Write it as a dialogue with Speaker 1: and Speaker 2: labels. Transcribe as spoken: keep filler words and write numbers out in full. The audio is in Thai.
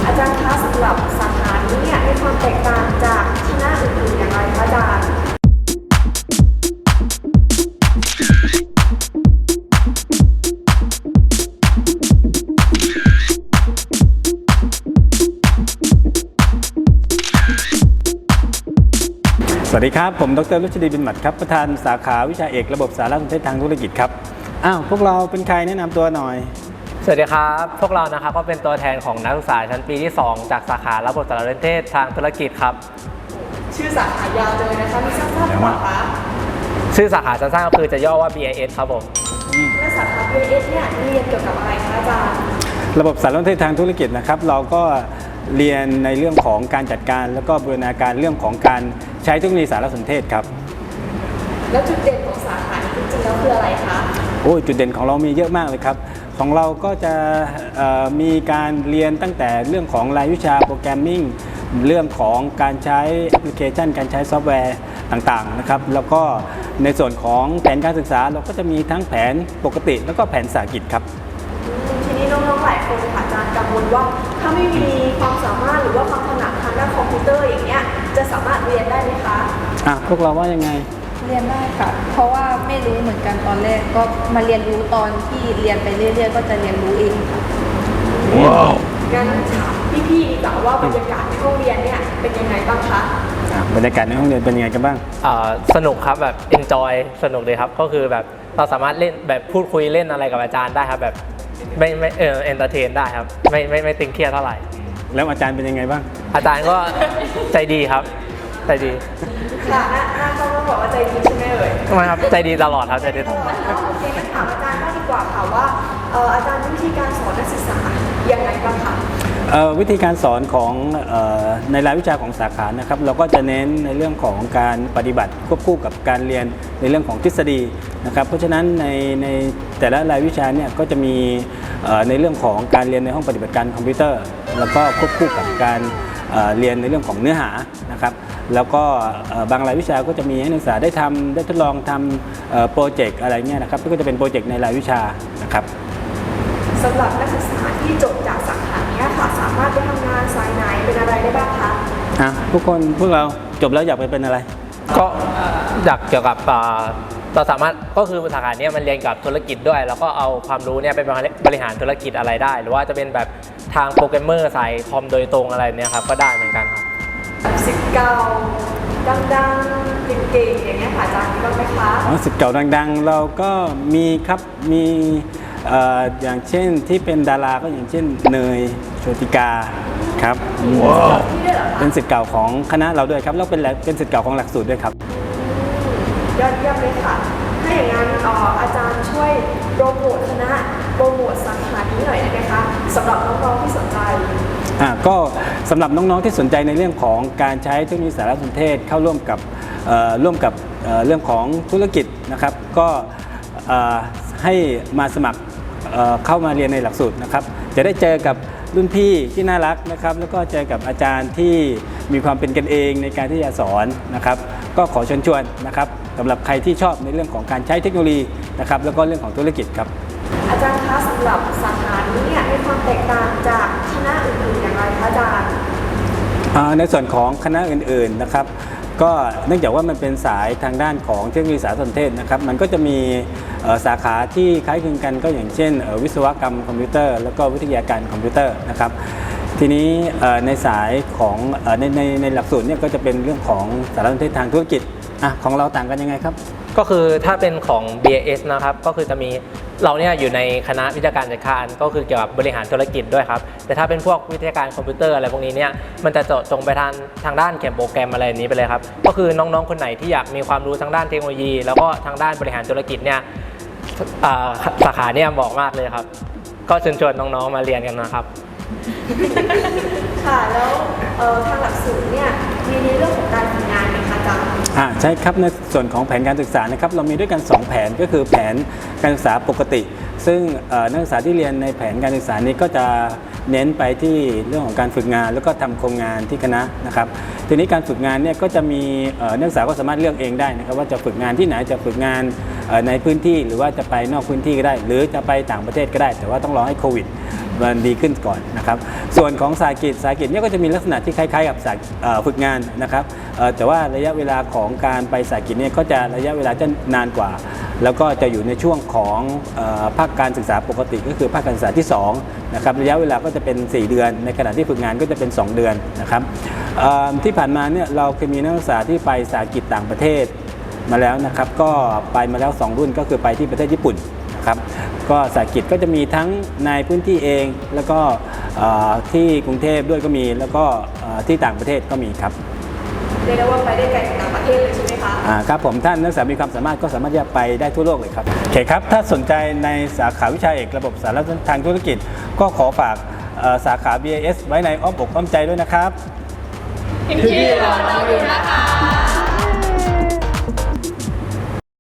Speaker 1: อาจารย์คะสำหรับสาขานี้เนี่ยมีความแตกต่างจากคณะอื่นๆอย่างไรคะอาจารย์
Speaker 2: สวัสดีครับผมดร.รุชดีบินหมัดครับประธานสาขาวิชาเอกระบบสารสนเทศทางธุรกิจครับอ้าวพวกเราเป็นใครแนะนำตัวหน่อย
Speaker 3: สวัสดีครับพวกเรานะครับก็เป็นตัวแทนของนักศึกษาชั้นปีที่สองจากสาขาระบบสารสนเทศทางธุรกิจครับ
Speaker 1: ชื่อสาขายาวจังเลยนะคะมีสั้นๆหรือเปล่าคะ
Speaker 3: ชื่อสาขาสั้นๆก็คือจะย่อว่า บี ไอ เอส ครับผม
Speaker 1: และสาขา บี ไอ เอส เนี่ยเรียนเกี่ยวกับอะไรคะอาจารย์
Speaker 2: ระบบสารสนเทศทางธุรกิจนะครับเราก็เรียนในเรื่องของการจัดการแล้วก็บูรณาการเรื่องของการใช้เทคโนโลยีสารสนเทศครับ
Speaker 1: แล้วจุดเด่นของสาขานี้จริงๆแล้วคืออะไรคะ
Speaker 2: โอ้จุดเด่นของเรามีเยอะมากเลยครับของเราก็จะมีการเรียนตั้งแต่เรื่องของรายวิชาโปรแกรมมิ่งเรื่องของการใช้แอปพลิเคชันการใช้ซอฟต์แวร์ต่างๆนะครับแล้วก็ในส่วนของแผนการศึกษาเราก็จะมีทั้งแผนปกติแล้วก็แผนสาหกิจครับ
Speaker 1: ทีนี้น้องๆหลายคนค่ะอาจารย์กังวลว่าถ้าไม่มีความสามารถหรือว่าความถนัดทางด้านคอมพิวเตอร์อย่างเงี้ยจะสามารถเรียนได้ไหมคะ
Speaker 2: อ่ะพวกเราว่ายังไง
Speaker 4: เรียนได้ค่ะเพราะว่าไม่รู้เหมือนกันตอนแรกก็มาเรียนรู้ตอนที่เรียนไปเรื่อยๆก็จะเรียนรู้เองค่ะ
Speaker 2: ว้าว
Speaker 1: งั้นถามพี่ๆดีกว่าว่าบรรยากาศในห้องเรียนเนี่ยเป็นยังไงบ้างคะ
Speaker 2: บรรยากาศในห้องเรียนเป็นยังไงกันบ้าง
Speaker 3: สนุกครับแบบ enjoy สนุกเลยครับก็คือแบบเราสามารถเล่นแบบพูดคุยเล่นอะไรกับอาจารย์ได้ครับแบบไม่ไม่เออเอนเตอร์เทนได้ครับไม่ไม่ไม่ตึงเครียดเท่าไหร่
Speaker 2: แล้วอาจารย์เป็นยังไงบ้าง
Speaker 3: อาจารย์ก็ใจดีครับใจดี
Speaker 1: ค่ะหน้าหน้าต้องบอกว่าใจดีใช่ไหมเอ่ย
Speaker 3: ไม่ครับใจดีตลอดครับใจดีตลอด
Speaker 1: โอเคงั้นถามอาจารย์บ้างดีกว่าค่ะว่าอาจารย์วิธีการสอนนักศึกษายังไงบ้างคะ
Speaker 2: วิธีการสอนของในรายวิชาของสาขานะครับเราก็จะเน้นในเรื่องของการปฏิบัติควบคู่กับการเรียนในเรื่องของทฤษฎีนะครับเพราะฉะนั้นในในแต่ละรายวิชาเนี่ยก็จะมีในเรื่องของการเรียนในห้องปฏิบัติการคอมพิวเตอร์แล้วก็ควบคู่กับการเรียนในเรื่องของเนื้อหานะครับแล้วก็บางรายวิชาก็จะมีให้นักศึกษาได้ทำได้ทดลองทำโปรเจกต์อะไรเงี้ยนะครับก็จะเป็นโปรเจกต์ในรายวิชานะครับ
Speaker 1: สำหรับนักศึกษาที่จบจากสาขานี้ค่ะสามารถไปทำงานสายไหนเป็นอะไรได้บ้างคะ
Speaker 2: อ่ะทุกคนพวกเราจบแล้วอยากไปเป็นอะไร
Speaker 3: ก็อยากเกี่ยวกับเราสามารถก็คือสาขานี้มันเรียนกับธุรกิจด้วยแล้วก็เอาความรู้เนี่ยไปบริหารธุรกิจอะไรได้หรือว่าจะเป็นแบบทางโปรแกรมเมอร์สายคอมโดยตรงอะไรเนี่ยครับก็ได้เหมือนกันครับ
Speaker 1: สิทธิ์เก่าดังๆเก่งๆอย่างเงี้ยค่ะอาจารย์มีบ้างไหมคะ
Speaker 2: อ๋อสิทธิ์เก่าดังๆเราก็มีครับมีอย่างเช่นที่เป็นดาราก็อย่างเช่นเนยโชติกาครับว้าวเป็นศิษย์เก่าของคณะเราด้วยครับแล้วเป็นเป็นศิษย์เก่าของหลักสูตรด้วยครับ
Speaker 1: ยอดเยี่ยมเลยค่ะถ้าอย่างนั้นอาจารย์ช่วยโปรโมทคณะโปรโมทสาขานี้หน่อยได้ไหมคะสำหรับน้องๆที่สนใจ
Speaker 2: อ่าก็สำหรับน้องๆที่สนใจในเรื่องของการใช้เทคโนโลยีสารสนเทศเข้าร่วมกับร่วมกับเรื่องของธุรกิจนะครับก็ให้มาสมัครเข้ามาเรียนในหลักสูตรนะครับจะได้เจอกับรุ่นพี่ที่น่ารักนะครับแล้วก็เจอกับอาจารย์ที่มีความเป็นกันเองในการที่จะสอนนะครับก็ขอเชิญชวนนะครับสำหรับใครที่ชอบในเรื่องของการใช้เทคโนโลยีนะครับแล้วก็เรื่องของธุรกิจครับ
Speaker 1: อาจารย์คะสำหรับสาขานี้เนี่ยมีความแตกต่างจากคณะอื่นๆอย่างไรคะอาจารย์
Speaker 2: ในส่วนของคณะอื่นๆนะครับก็เนื่องจากว่ามันเป็นสายทางด้านของเทคโนโลยีสารสนเทศนะครับมันก็จะมีสาขาที่คล้ายคลึงกันก็อย่างเช่นวิศวกรรมคอมพิวเตอร์แล้วก็วิทยาการคอมพิวเตอร์นะครับทีนี้ในสายของในในในหลักสูตรเนี่ยก็จะเป็นเรื่องของสารสนเทศทางธุรกิจอ่ะของเราต่างกันยังไงครับ
Speaker 3: ก็คือถ้าเป็นของ บี ไอ เอส นะครับก็คือจะมีเราเนี่ยอยู่ในคณะวิทยาการจัดการก็คือเกี่ยวกับบริหารธุรกิจด้วยครับแต่ถ้าเป็นพวกวิทยาการคอมพิวเตอร์อะไรพวกนี้เนี่ยมันจะเจาะจงไปทางทางด้านเขียนโปรแกรมอะไรนี้ไปเลยครับก็คือน้องๆคนไหนที่อยากมีความรู้ทางด้านเทคโนโลยีแล้วก็ทางด้านบริหารธุรกิจเนี่ยสาขาเนี่ยเหมาะมากเลยครับก็เชิญชวนน้องๆมาเรียนกันนะครับ
Speaker 1: ค่ะแล้วทางหลักสูตรเนี่ยมีในเรื่องของการทำงานไหมคะอาจารย์
Speaker 2: อ่าใช่ครับในส่วนของแผนการศึกษานะครับเรามีด้วยกันสองแผนก็คือแผนการศึกษาปกติซึ่งเอ่อนักศึกษาที่เรียนในแผนการศึกษานี้ก็จะเน้นไปที่เรื่องของการฝึกงานแล้วก็ทำโครงงานที่คณะนะครับทีนี้การฝึกงานเนี่ยก็จะมีเอ่อนักศึกษาก็สามารถเลือกเองได้นะครับว่าจะฝึกงานที่ไหนจะฝึกงานเอ่อในพื้นที่หรือว่าจะไปนอกพื้นที่ก็ได้ หรือจะไปต่างประเทศก็ได้ แต่ว่าต้องรอให้โควิดมันดีขึ้นก่อนนะครับส่วนของสาหกิจสาหกิจเนี่ยก็จะมีลักษณะที่คล้ายๆกับสาเอ่อฝึกงานนะครับเอ่อแต่ว่าระยะเวลาของการไปสาหกิจเนี่ยก็จะระยะเวลาจะนานกว่า แล้วก็จะอยู่ในช่วงของเอ่อภาคการศึกษาปกติก็คือภาคการศึกษาที่สองนะครับระยะเวลาก็จะเป็น สี่ เดือน ในขณะที่ฝึกงานก็จะเป็น สอง เดือนนะครับเอ่อที่ผ่านมาเนี่ยเราเคยมีนักศึกษาที่ไปสาหกิจต่างประเทศมาแล้วนะครับก็ไปมาแล้วสองรุ่นก็คือไปที่ประเทศญี่ปุ่นนะครับก็สาหกิจก็จะมีทั้งในพื้นที่เองแล้วก็เอ่อที่กรุงเทพด้วยก็มีแล้วก็เอ่อที่ต่างประเทศก็มีครับ
Speaker 1: เรียกได้ว่าไปได้ไกลถึงต่างประเทศเลยใช่ไหมคะ
Speaker 2: อ่าครับผมท่านนักศึกษามีความสามารถก็สามารถที่จะไปได้ทั่วโลกเลยครับโอเคครับถ้าสนใจในสาขาวิชาเอกระบบสารสนเทศทางธุรกิจ ก็ขอฝากเอ่อสาขา บี เอ เอส ไว้ในอ้อมอกอ้อมใจด้วยนะครับ
Speaker 1: พี่ๆรอเราอยู่นะคะ